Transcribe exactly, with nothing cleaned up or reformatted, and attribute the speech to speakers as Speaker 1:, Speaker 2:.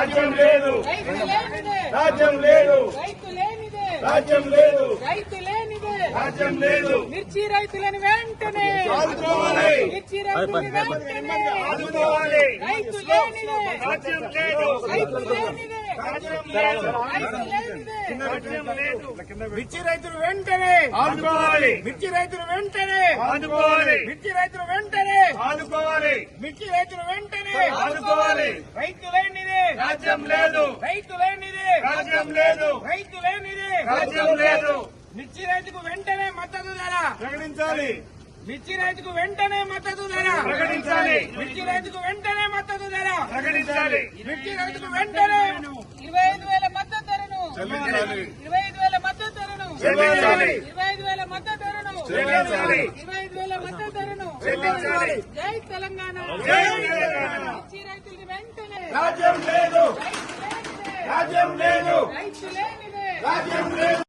Speaker 1: రాజ్యం లేదు,
Speaker 2: రైతు లేనిదే,
Speaker 1: రాజ్యం లేదు,
Speaker 2: రైతు లేనిదే,
Speaker 1: రాజ్యం లేదు,
Speaker 2: రైతు లేనిదే,
Speaker 1: రాజ్యం లేదు.
Speaker 2: మిర్చి రైతులను వెంటనే
Speaker 1: ఆదుకోవాలి,
Speaker 2: మిర్చి రైతులను వెంటనే
Speaker 1: ఆదుకోవాలి.
Speaker 2: రైతు లేనిదే,
Speaker 1: రాజ్యం లేదు,
Speaker 2: రైతు లేనిదే,
Speaker 1: రాజ్యం లేదు,
Speaker 2: రైతు లేనిదే,
Speaker 1: రాజ్యం లేదు.
Speaker 2: మిర్చి రైతులు వెంటనే
Speaker 1: ఆదుకోవాలి,
Speaker 2: మిర్చి రైతులు వెంటనే
Speaker 1: ఆదుకోవాలి,
Speaker 2: మిర్చి రైతులు వెంటనే
Speaker 1: ఆదుకోవాలి,
Speaker 2: మిర్చి రైతులు వెంటనే
Speaker 1: ఆదుకోవాలి.
Speaker 2: రైతు లేనిదే,
Speaker 1: రాజ్యం లేదు,
Speaker 2: రైతు లేనిదే,
Speaker 1: రాజ్యం లేదు,
Speaker 2: రైతు లేనిదే,
Speaker 1: రాజ్యం లేదు.
Speaker 2: మిర్చి రైతుకు వెంటనే మద్దతు ధర,
Speaker 1: ప్రకటించాలి,
Speaker 2: మిర్చి రైతుకు వెంటనే మద్దతు ధర,
Speaker 1: ప్రకటించాలి,
Speaker 2: మిర్చి రైతుకు వెంటనే మద్దతు ధర,
Speaker 1: ప్రకటించాలి.
Speaker 2: మిర్చి రైతుకు వెంటనే ఇరవై ఐదు వేల మద్దతు ధరను
Speaker 1: చెల్లించాలి,
Speaker 2: ఇరవై ఐదు వేల మద్దతు ధరను
Speaker 1: చెల్లించాలి,
Speaker 2: ఇరవై ఐదు వేల మద్దతు ధరను
Speaker 1: చెల్లించాలి,
Speaker 2: ఇరవై ఐదు వేల మద్దతు ధరను
Speaker 1: చెల్లించాలి.
Speaker 2: జై తెలంగాణ,
Speaker 1: జై తెలంగాణ.
Speaker 2: మిర్చి రైతులకు వెంటనే
Speaker 1: రాజ్యం లేదు,
Speaker 2: రైతు లేనిదే,
Speaker 1: రాజ్యం లేదు,
Speaker 2: రైతు లేనిదే,
Speaker 1: రాజ్యం లేదు.